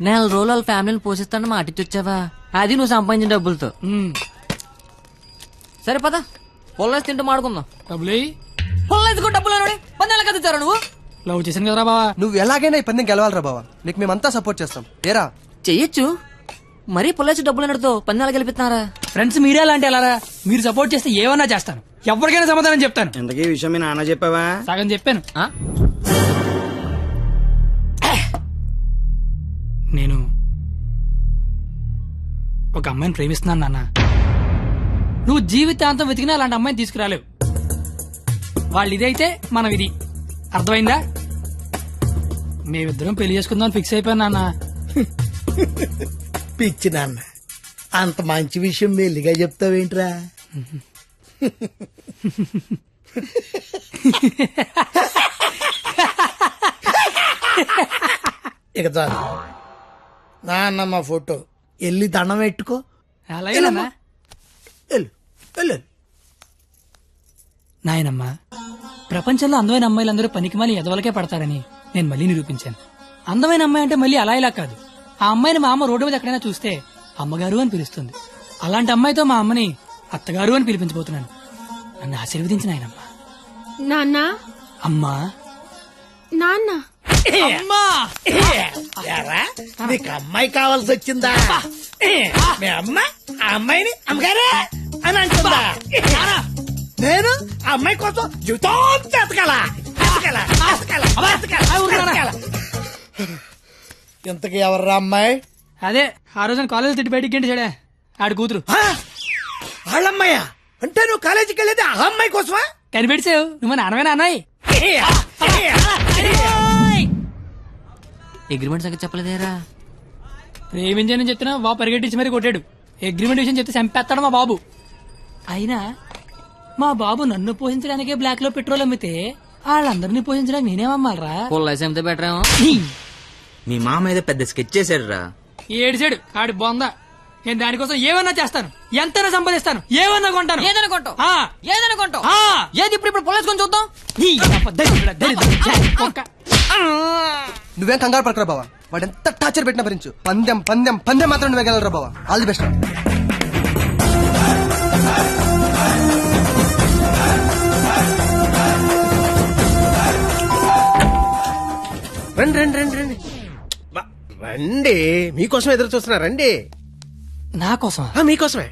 నెల రోజులు వాళ్ళ ఫ్యామిలీని పోషిస్తాను మాట ఇచ్చొచ్చావా? అది నువ్వు సంపాదించిన డబ్బులతో. సరే పద, పొల్లేసి తింటూ మాడుకుందాం. డబ్బులు పొల్లేసుకో డబ్బులు అని 10 నెలలు కదుతారా నువ్వు? లవ్ చేశాను కదరా బావా. నువ్వు ఎలాగైనా ఈ పందెం గెలవాలరా బావా, నీకు మేమంతా సపోర్ట్ చేస్తాం. ఏరా చెయ్యొచ్చు, మరీ పొల్లేసి డబ్బులు అన్నతో 10 నెలలు గెలిపిస్తున్నారా? ఫ్రెండ్స్ మీరే అలాంటి అలారా, మీరు సపోర్ట్ చేస్తే ఏమన్నా చేస్తాను, ఎవరికైనా సమాధానం చెప్తాను. ఇంతకీ విషయం మీ నాన్న చెప్పావా? సగం చెప్పాను. ఆ? నేను ఒక అమ్మాయిని ప్రేమిస్తున్నాను నాన్న. నువ్వు జీవితాంతం వెతికినా అలాంటి అమ్మాయిని తీసుకురాలేవు. వాళ్ళు ఇదైతే మనం ఇది, అర్థమైందా? మేమిద్దరం పెళ్లి చేసుకుందాం ఫిక్స్ అయిపోయాను నాన్న. పిచ్చి నాన్న, అంత మంచి విషయం మెల్లిగా చెప్తావేంట్రా? ఇక చాలు నాన్న, మా ఫోటో వెళ్ళి దండం పెట్టుకో. అలాగే నాన్న. వెళ్ళు వెళ్ళు. నాయనమ్మా, ప్రపంచంలో అందమైన అమ్మాయిలందరూ పనికిమాలి ఎదవలకే పడతారని నేను మళ్ళీ నిరూపించాను. అందమైన అమ్మాయి అంటే మళ్ళీ అలా ఇలా కాదు. ఆ అమ్మాయిని మా అమ్మ రోడ్డు మీద ఎక్కడైనా చూస్తే అమ్మగారు అని పిలుస్తుంది. అలాంటి అమ్మాయితో మా అమ్మని అత్తగారు అని పిలిపించబోతున్నాను. నన్ను ఆశీర్వదించిన ఆయనమ్మా. నాన్న, అమ్మా, నాన్న, అమ్మా. యారా, నీకు అమ్మాయి కావాల్సి వచ్చిందా? మీ అమ్మ ఆ అమ్మాయిని అమ్మగారే అని అంటుందా? నేను ఆ అమ్మాయి కోసం జీవితం ఎతకాల. ఇంతకీ ఎవర్రా అమ్మాయి? అదే ఆ రోజున కాలేజ్ తిట్టి బయటికి గంటేశాడే, ఆడి కూతురు. వాళ్ళమ్మాయా? అంటే నువ్వు కాలేజీకి వెళ్ళేది ఆ అమ్మాయి కోసమా? కనిపెట్టావు, నువ్వు నాన్నమైన అన్నాయి. అగ్రిమెంట్ సంగతి చెప్పలేదేరా? ప్రేమించానని చెప్తున్నా బాబు పరిగెట్టించి మరీ కొట్టాడు. అగ్రిమెంట్ విషయం చెప్తే చంపేస్తాడు మా బాబు. అయినా మా బాబు నన్ను పోషించడానికే బ్లాక్ లో పెట్రోల్ అమ్మితే వాళ్ళందరినీ పోషించడానికి నేనేమమ్మాలరా? పొల్లేసి అమ్మితే బెటర్ ఏమో. మీ మామ ఏదో పెద్ద స్కెచ్ చేశాడు రా. ఏడిసాడు ఆడి బొంద. నేను దానికోసం ఏమన్నా చేస్తాను, ఎంతైనా సంపాదిస్తాను, ఏమన్నా కొంటాను. ఏదైనా కొంటావు, ఆ, ఏదైనా కొంటావు. ఆ. ఏది ఇప్పుడు పొల్లేసుకొని చూద్దాం. నువ్వేం కంగారు పడకరా బావా, వాడు ఎంత టార్చర్ పెట్టినా భరించు. పందెం పందెం పందెం మాత్రం నువ్వే గెలవరా బావా. All the best. రండి రండి రండి రండి రండి, మీకోసం ఎదురు చూస్తున్నా. రండి. నా కోసం? మీకోసమే.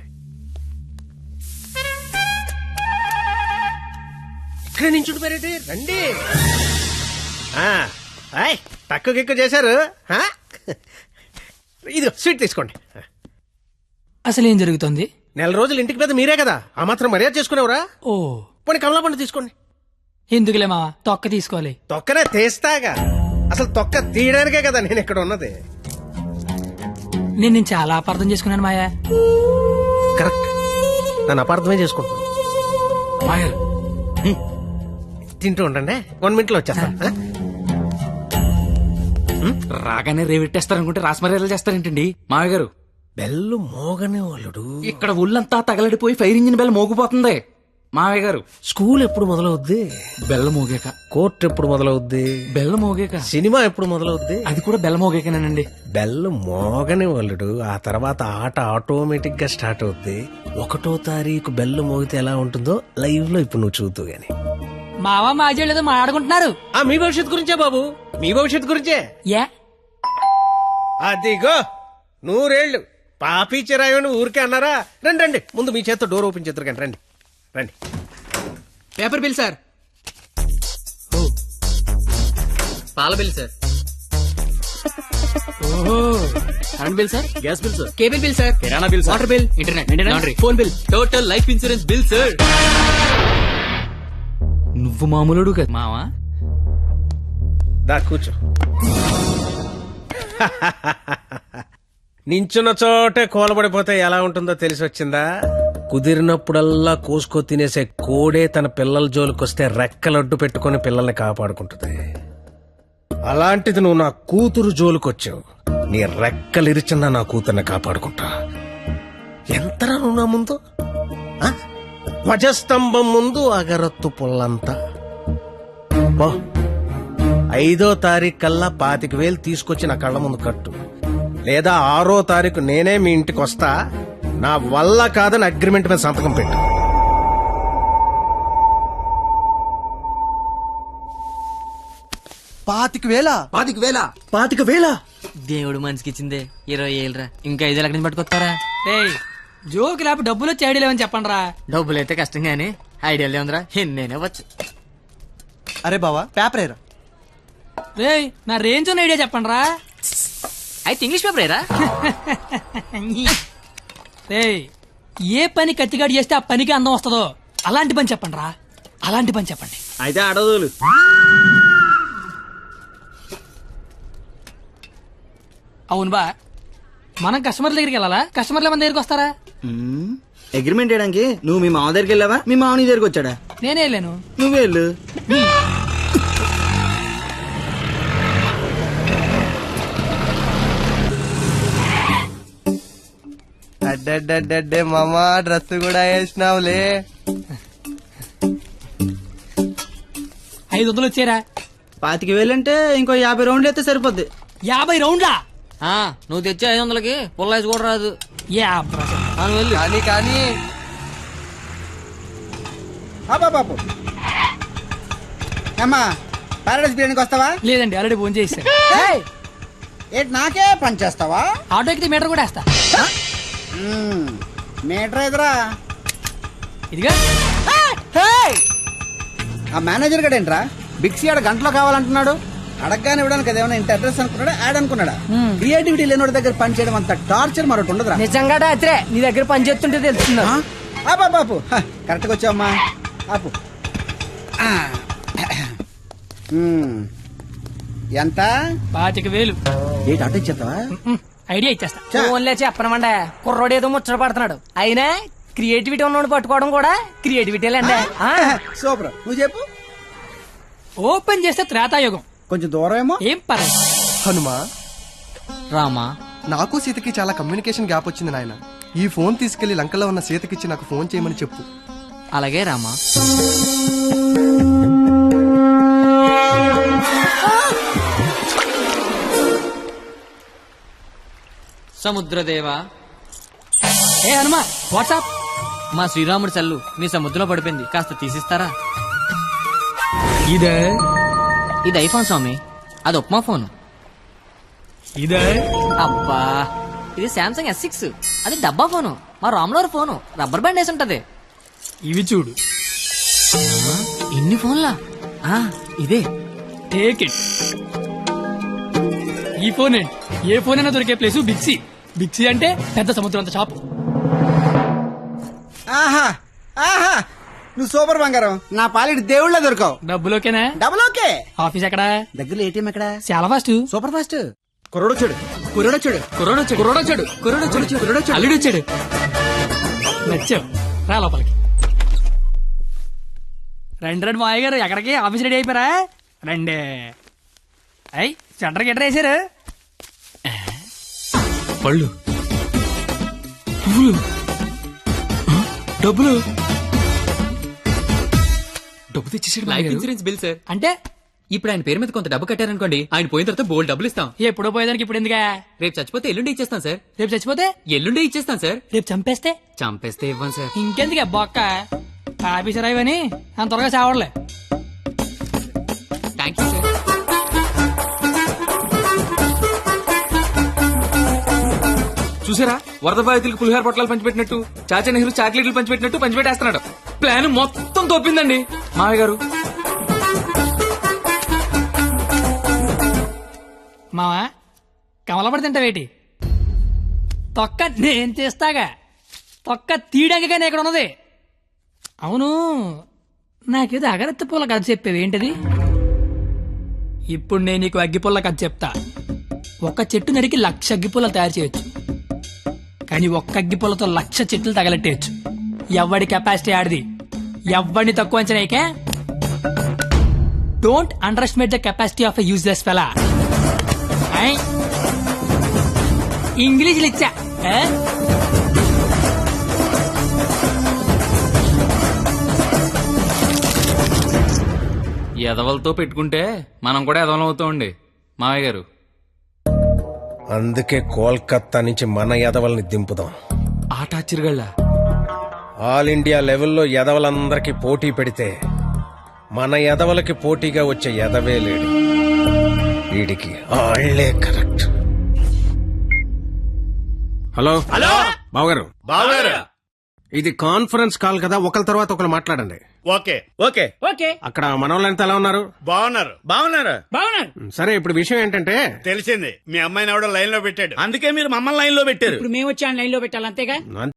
ఇక్కడ నుంచి మరేంటి, రండి. తక్కువ ఎక్కువ చేశారు. ఇది స్వీట్ తీసుకోండి. అసలు ఏం జరుగుతుంది? నెల రోజులు ఇంటికి పెద్ద మీరే కదా, ఆ మాత్రం మర్యాద చేసుకునేవరా? ఓ, పోనీ కమలా పండు తీసుకోండి. ఎందుకులే మావా, తొక్క తీసుకోవాలి. తొక్కనే తీస్తాగా, అసలు తొక్క తీయడానికే కదా నేను ఇక్కడ ఉన్నది. నేను చాలా అపార్థం చేసుకున్నాను మాయా. కరెక్ట్, నన్ను అపార్థమే చేసుకుంటున్నాను. మాయా తింటూ ఉండండి, 1 minute లో వచ్చేస్తా. రాగానే రేవెట్టేస్తారనుకుంటే రాస్మర్యాలు చేస్తారేంటండి మావయ్య గారు? బెల్లు మోగనే వాళ్ళుడు. ఇక్కడ ఒళ్ళంతా తగలడిపోయి ఫైర్ ఇంజిన్ బెల్ మోగిపోతుంది మావయ్య గారు. స్కూల్ ఎప్పుడు మొదలవుద్ది? బెల్ల మోగాక. కోర్టు ఎప్పుడు మొదలవుద్ది? బెల్ల మోగాక. సినిమా ఎప్పుడు మొదలవుద్ది? అది కూడా బెల్ల మోగాకనేనండి. బెల్లు మోగని వాళ్ళుడు, ఆ తర్వాత ఆట ఆటోమేటిక్ గా స్టార్ట్ అవుద్ది. 1వ తారీఖు బెల్లు మోగితే ఎలా ఉంటుందో లైవ్ లో ఇప్పుడు నువ్వు చూద్దు గాని. మావా మాజీ ఏదో మాట్లాడుకుంటున్నారు. మీ భవిష్యత్తు గురించే బాబు, మీ భవిష్యత్తు గురించే. యా, అదిగో 100 ఏళ్ళు పాపి చిరాయని ఊరికే అన్నారా? రండి రండి, ముందు మీ చేత్తో డోర్ ఓపెన్ చేద్దరు కానీ. రండి రండి. Paper bill sir. పాల బిల్ సార్. ఓహో, current bill sir. Gas bill sir. Cable bill sir. కిరాణా bill sir. Water bill, internet, laundry, phone bill, total life insurance bill sir. నువ్వు మామూలుడు కదా మావా. దా కూర్చో. నించున్న చోటే కూలబడిపోతే ఎలా ఉంటుందో తెలిసి వచ్చిందా? కుదిరినప్పుడల్లా కోసుకో తినేసే కోడే తన పిల్లల జోలికొస్తే రెక్కలడ్డు పెట్టుకుని పిల్లల్ని కాపాడుకుంటుంది. అలాంటిది నువ్వు నా కూతురు జోలికొచ్చావు. నీ రెక్కలిరిచినా నా కూతుర్ని కాపాడుకుంటా. ఎంతరా నువ్వు నా ముందు? ధ్వజస్తంభం ముందు అగరత్తు పుల్లంతా. 5వ తారీఖు కల్లా 25,000 తీసుకొచ్చి నా కళ్ళ ముందు కట్టు. లేదా 6వ తారీఖు నేనే మీ ఇంటికి వస్తా. నా వల్ల కాదని అగ్రిమెంట్ మీద సంతకం పెట్టు. పాతిక వేల దేవుడు మనిషికి ఇచ్చిందే 20 ఏళ్ళరా, ఇంకా 5 ఎక్కడి నుంచి పట్టుకొస్తారా? ఏయ్ జోకి లేపు డబ్బులు వచ్చి ఐడియా లేవని చెప్పండి రా. డబ్బులు అయితే కష్టం గానీ ఐడియా ఉందిరా, నేనే వచ్చు. అరే బావా పేపర్ ఏరా. రేయ్ నా రేంజ్ ఉన్న ఐడియా చెప్పండి రా. అయితే ఇంగ్లీష్ పేపర్ ఏరా? రేయ్ ఏ పని కత్తిగాడు చేస్తే ఆ పనికి అందం వస్తుందో అలాంటి పని చెప్పండి రా, అలాంటి పని చెప్పండి. అయితే అడదులు. అవును బా, మనం కస్టమర్ల దగ్గరికి వెళ్ళాలా, కస్టమర్ల మన దగ్గరికి వస్తారా? అగ్రిమెంట్ చేయడానికి నువ్వు మీ మామ దగ్గరికి వెళ్ళావా, మీ మామ నీ దగ్గరికి వచ్చాడా? నేనే వెళ్ళాను. నువ్వే వెళ్ళు. అడ్డే మామా డ్రెస్ కూడా వేసినావులే. 500 వచ్చారా? 25,000 అంటే ఇంకో 50 రౌండ్లు అయితే సరిపోద్ది. 50 రౌండ్లా? నువ్వు తెచ్చే 500కి పుల్లాయిస్ కూడా రాదు. వెళ్ళు. కానీ బాబు అమ్మా పారాడైస్ బిర్యానీకి వస్తావా? లేదండి, ఆల్రెడీ ఫోన్ చేశాను. ఏంటి నాకే పని చేస్తావా? ఆటో ఎక్కితే మీటర్ కూడా వేస్తా. మీటర్ ఎదురా. ఇదిగా ఆ మేనేజర్ గడేంట్రా బిక్సీ ఆడ గంటలో కావాలంటున్నాడు. అడగగానే ఇవ్వడానికి అదేమన్నా ఇంత అడ్రస్ అనుకున్నాడా, యాడ్ అనుకున్నాడా? క్రియేటివిటీ లేనివాడి దగ్గర పని చేయడం అంత టార్చర్ మరొకటి ఉండదురా. నిజంగా రాత్రే నీ దగ్గర పని చేస్తుంటే తెలుస్తున్నా. బాపు కరెక్ట్ గా వచ్చావమ్మా. ఆపు. ఎంత? 25,000. ఏంటి అటు ఇచ్చేస్తావా? ఐడియా ఇచ్చేస్తా. ఫోన్లే చెప్పనమండే, కుర్రోడు ఏదో ముచ్చట పడుతున్నాడు. అయినా క్రియేటివిటీ ఉన్నోడు పట్టుకోవడం కూడా క్రియేటివిటీలేండి. సూపర్, నువ్వు చెప్పు. ఓపెన్ చేస్తే త్రేతాయుగం. కొంచెం దూరం ఏమో. ఏం పర్లేదు. హనుమా, రామా, నాకు సీతకి చాలా కమ్యూనికేషన్ గ్యాప్ వచ్చింది నాయన. ఈ ఫోన్ తీసుకెళ్లి లంకలో ఉన్న సీతకిచ్చి నాకు ఫోన్ చేయమని చెప్పు. అలాగే రామా. సముద్రదేవా. ఏ హనుమా, వాట్సాప్. మా శ్రీరాముడి చల్లు మీ సముద్రంలో పడిపోయింది, కాస్త తీసిస్తారా? ఇదే ఇది ఐఫోన్ స్వామి, అది ఉప్మా ఫోన్. ఇదే అబ్బా, ఇది శాంసంగ్ S6, అది డబ్బా ఫోను. మా రాములవారి ఫోను రబ్బర్ బ్యాండ్ వేసి ఉంటది. ఇవి చూడు. ఇన్ని ఫోన్లా? ఇదే. Take it. ఈ ఫోన్ ఏంటి? ఏ ఫోన్ అయినా దొరికే ప్లేస్ బిక్సీ. బిక్సీ అంటే పెద్ద సముద్రం అంత షాప్. ఆహా ఆహా, నువ్వు సూపర్ బంగారం. నా పాలిటి దేవుళ్ళ దొరకవు. డబ్బులోకేనా? Double okay. ఆఫీస్ ఎక్కడా? దగ్గరలో ఏటీఎం ఎక్కడ? చాలా ఫాస్ట్. Super fast. కుర్రోడొచ్చాడు. అల్లుడు వచ్చాడు. నచ్చావు, రా లోపలికి. రండి మాయ గారు, ఎక్కడికి? ఆఫీస్ రెడీ అయిపోయారా? రండి. అయ్యి సెంటర్ గిట్టర్ వేసారు. పళ్ళు, పువ్వులు, డబ్బులు. డబ్బు తెచ్చేసాడు. Life insurance bill sir. అంటే ఇప్పుడు ఆయన పేరు మీద కొంత డబ్బు కట్టారనుకోండి, ఆయన పోయిన తర్వాత బోల్డ్ డబ్బులు ఇస్తాం. ఎప్పుడో పోయేదానికి ఇప్పుడు ఎందుకా? రేపు చచ్చిపోతే ఎల్లుండి ఇచ్చేస్తాం సార్. రేపు చచ్చిపోతే ఎల్లుండి ఇచ్చేస్తాం సార్. రేపు చంపేస్తే చంపేస్తే ఇవ్వం సార్. ఇంకెందుకే బొక్క? ఆఫీసర్ అయ్యని అంత త్వరగా చావడలే. Thank you sir. చూసారా, వరద బాధితులకు పులిహార పొట్లాలు పంచిపెట్టినట్టు, చాచా నెహ్రూ చాక్లెట్లు పంచిపెట్టినట్టు పంచిపెట్టేస్తున్నాడు. ప్లాన్ మొత్తం తోపిందండి మావయ్య గారు. మావా, కమలపడి తింటావేటి? తొక్క నేను తీస్తాగా. తొక్క తీయడానికనే ఇక్కడ ఉన్నది. అవును, నాకేదో అగరత్తి పూల కథ చెప్పేవి ఏంటది? ఇప్పుడు నేను నీకు అగ్గిపుల్ల కథ చెప్తా. ఒక చెట్టు నరికి 1,00,000 అగ్గిపుల్లలు తయారు చేయొచ్చు, కానీ ఒక్క అగ్గిపుల్లతో 1,00,000 చెట్లు తగలెట్టేయచ్చు. ఎవడి కెపాసిటీ ఆడిది. ఎవడిని తక్కువ అంచనాయికే. Don't underestimate the capacity of a useless fellow. English ఇచ్చా. ఎదవలతో పెట్టుకుంటే మనం కూడా ఎదవలం అవుతామండి మావయ్య గారు. అందుకే కోల్కత్తా నుంచి మన ఎదవల్ని దింపుదాం. ఆట ఆశ్చర్యగళ్ళ ఆల్ ఇండియా లెవెల్లో ఎదవలందరికీ పోటీ పెడితే మన ఎదవలకి పోటీగా వచ్చే ఎదవే లేడు. వీడికి ఆళ్లే కరెక్ట్. హలో హలో బావగారు, బావగారు ఇది కాన్ఫరెన్స్ కాల్ కదా, ఒకరి తర్వాత ఒకరు మాట్లాడండి. ఓకే ఓకే ఓకే అక్కడ మనోళ్ళంతా ఎలా ఉన్నారు? బాగున్నారు బాగున్నారు బాగున్నారు. సరే, ఇప్పుడు విషయం ఏంటంటే తెలిసింది మీ అమ్మాయిని ఎవడో లైన్ లో పెట్టాడు, అందుకే మీరు మమ్మల్ని లైన్ లో పెట్టారు. ఇప్పుడు మేము వచ్చి లైన్ లో పెట్టాలి అంతేగా.